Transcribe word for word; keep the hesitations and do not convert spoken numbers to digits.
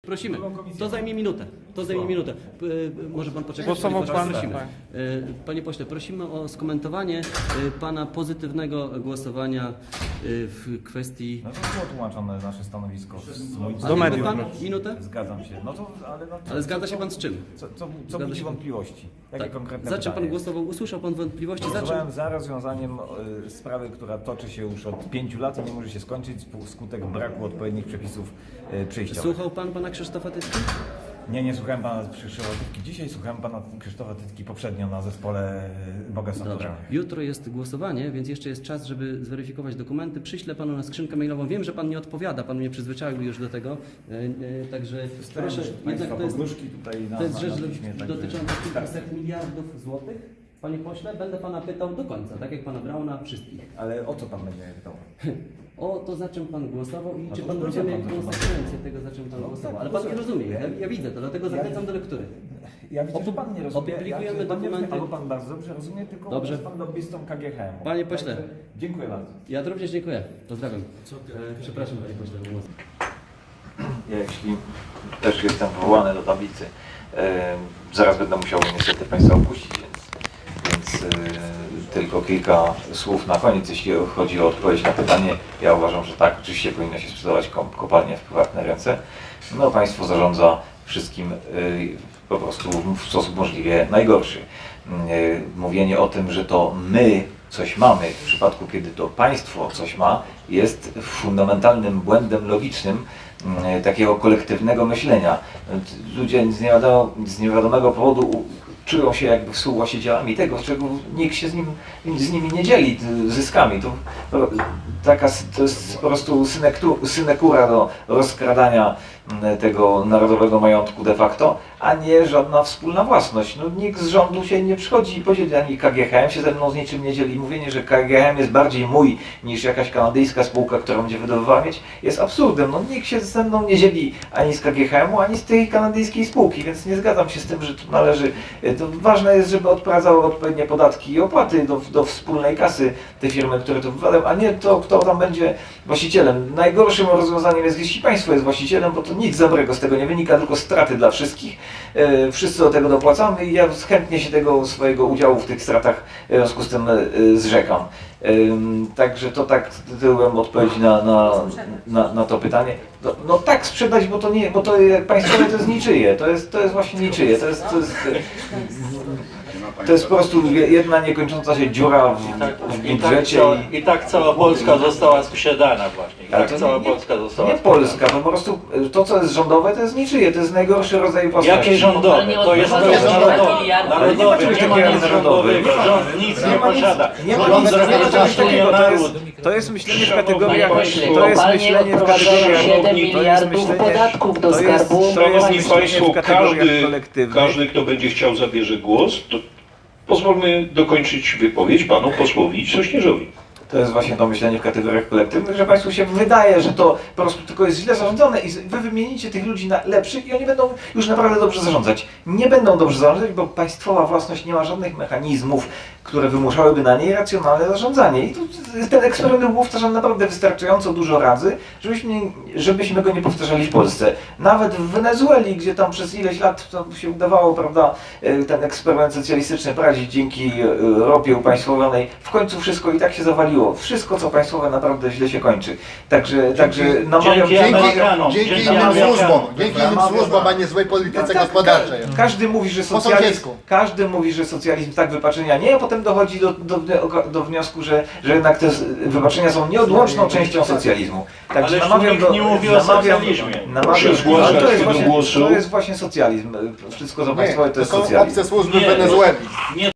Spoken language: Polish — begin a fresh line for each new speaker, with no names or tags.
Prosimy, to zajmie minutę, to zajmie minutę. P może pan poczekać?
Głosował pan,
prosimy.
tak.
Panie pośle, prosimy o skomentowanie pana pozytywnego głosowania w kwestii...
No to było tłumaczone nasze stanowisko z moim
Do
mediów.
pan minutę?
Zgadzam się. No to, ale, no,
Ale zgadza się pan z czym?
Co, co, co
Zgadza
budzi
się pan?
wątpliwości? Jakie
Tak.
konkretne
Za czym pan
pytanie?
głosował? Usłyszał pan wątpliwości? Za czym?
Głosowałem za rozwiązaniem y, sprawy, która toczy się już od pięciu lat i nie może się skończyć skutek braku odpowiednich przepisów y, przejściowych.
Słuchał pan pana Krzysztofa Tytki?
Nie, nie słuchałem pana Krzysztofa Tytki dzisiaj, słuchałem pana Krzysztofa Tytki poprzednio na zespole y, Boga
Dobrze.
Sądowego.
Jutro jest głosowanie, więc jeszcze jest czas, żeby zweryfikować dokumenty. Przyślę panu na skrzynkę mailową. Wiem, że pan nie odpowiada, pan mnie przyzwyczaił już do tego. E, e, także proszę, jednak to jest,
tutaj na,
to jest
na,
rzecz
na piśmie, także-
dotycząca kilkuset miliardów złotych. Panie pośle, będę pana pytał do końca, tak jak pana Brauna, wszystkich.
Ale o co pan będzie mnie pytał?
O to, za czym pan głosował i
No
czy
to
pan
powiedziałem
rozumie
panu, że pan-
konsekwencje tego, za czym pan
No
głosował.
tak,
Ale pan nie
rozumiem.
rozumie, ja, ja widzę to, dlatego zachęcam do lektury.
Ja widzę, że pan nie rozumie.
Opublikujemy
ja, że pan nie rozumie,
dokumenty.
albo pan bardzo dobrze rozumie, tylko
Dobrze.
jest pan lobbystą K G H M.
Panie pośle.
Także dziękuję bardzo.
Ja również dziękuję. Pozdrawiam. E, przepraszam, panie pośle.
Ja, jeśli też jestem powołany do tablicy, e, zaraz będę musiał niestety Państwa opuścić, więc, więc e, tylko kilka słów na koniec, jeśli chodzi o odpowiedź na pytanie. Ja uważam, że tak, oczywiście powinno się sprzedawać kopalnie w prywatne ręce. No, państwo zarządza wszystkim e, po prostu w sposób możliwie najgorszy. E, mówienie o tym, że to my coś mamy, w przypadku kiedy to państwo coś ma, jest fundamentalnym błędem logicznym takiego kolektywnego myślenia. Ludzie z niewiadomego, z niewiadomego powodu czują się jakby współwłaścicielami tego, z czego nikt się z, nim, z nimi nie dzieli zyskami. To, taka, to jest po prostu synekura do rozkradania tego narodowego majątku de facto, a nie żadna wspólna własność. No, nikt z rządu się nie przychodzi i podzieli, ani K G H M się ze mną z niczym nie dzieli. Mówienie, że K G H M jest bardziej mój niż jakaś kanadyjska spółka, którą będzie wydobywała mieć, jest absurdem. No, nikt się ze mną nie dzieli ani z K G H M u, ani z tej kanadyjskiej spółki, więc nie zgadzam się z tym, że tu należy. To ważne jest, żeby odprowadzały odpowiednie podatki i opłaty do, do wspólnej kasy te firmy, które to wywalają, a nie to, kto tam będzie właścicielem. Najgorszym rozwiązaniem jest, jeśli państwo jest właścicielem, bo to nic dobrego z tego nie wynika, tylko straty dla wszystkich. E, wszyscy do tego dopłacamy i ja chętnie się tego swojego udziału w tych stratach w związku z tym e, zrzekam. E, także to tak tytułem odpowiedzi na, na, na, na to pytanie. No, no tak sprzedać, bo to nie, bo to jak państwowe to jest niczyje, to jest, to jest właśnie niczyje, to jest, to jest, to jest po prostu jedna niekończąca się dziura w, w
I tak,
budżecie.
cała, I tak cała Polska została sprzedana właśnie. I
Ale
tak
to
cała
nie,
Polska została
nie
sprzedana.
Polska, to po prostu to, co jest rządowe, to jest niczyje, to jest najgorszy rodzaj własności.
Jakie rządowe? To jest, to jest narodowe.
Ale nie ma
Narodowe,
czegoś
nie ma
takiego
nic
jak
rządowego.
narodowy.
Rząd nic nie
Nie ma nic-
posiada.
nie ma
Rząd
nic- nie ma czegoś
reprezentuje
takiego, to jest-
naród.
To jest myślenie w
Panie
kategoriach,
pośle,
to jest
kopalnie
myślenie w
odprowadzają
kategoriach,
siedem
to jest
miliardów
myślenie,
podatków do
to jest,
skarbu.
to jest
Szanowni
myślenie
Państwo,
w kategoriach
każdy,
kolektywnych.
każdy, kto będzie chciał zabierze głos, to pozwólmy dokończyć wypowiedź panu posłowi Sośnierzowi.
To jest właśnie to myślenie w kategoriach kolektywnych, że Państwu się wydaje, że to po prostu tylko jest źle zarządzone i Wy wymienicie tych ludzi na lepszych i oni będą już naprawdę dobrze zarządzać. Nie będą dobrze zarządzać, bo państwowa własność nie ma żadnych mechanizmów, które wymuszałyby na niej racjonalne zarządzanie. I tu ten eksperyment był powtarzany naprawdę wystarczająco dużo razy, żebyśmy, żebyśmy go nie powtarzali w Polsce. Nawet w Wenezueli, gdzie tam przez ileś lat to się udawało, prawda, ten eksperyment socjalistyczny prowadzić dzięki ropie upaństwowionej, w końcu wszystko i tak się zawaliło. Wszystko, co państwowe, naprawdę źle się kończy. Także, także namawiam...
dzięki Amerykanom,
Dzięki
dzięki
innym
Amerykanom.
służbom, dzięki innym
Namawiam-
służbom, a nie złej polityce
Tak, tak,
gospodarczej.
ka- Każdy mówi, że
Po
socjalizm,
sąsiedzku.
każdy mówi, że socjalizm tak wypaczenia nie, a potem dochodzi do, do, do, do wniosku, że, że jednak te wypaczenia są nieodłączną częścią socjalizmu. Także
Ależ
namawiam
nikt
do...
nie mówi o
namawiam,
socjalizmie.
namawiam,
Proszę zgłaszać
ale to jest
się do
właśnie,
głosu.
to jest właśnie socjalizm. Wszystko co
Nie,
państwowe to
to
jest
są
socjalizm.
obce służby
Nie,
w Wenezueli.
Nie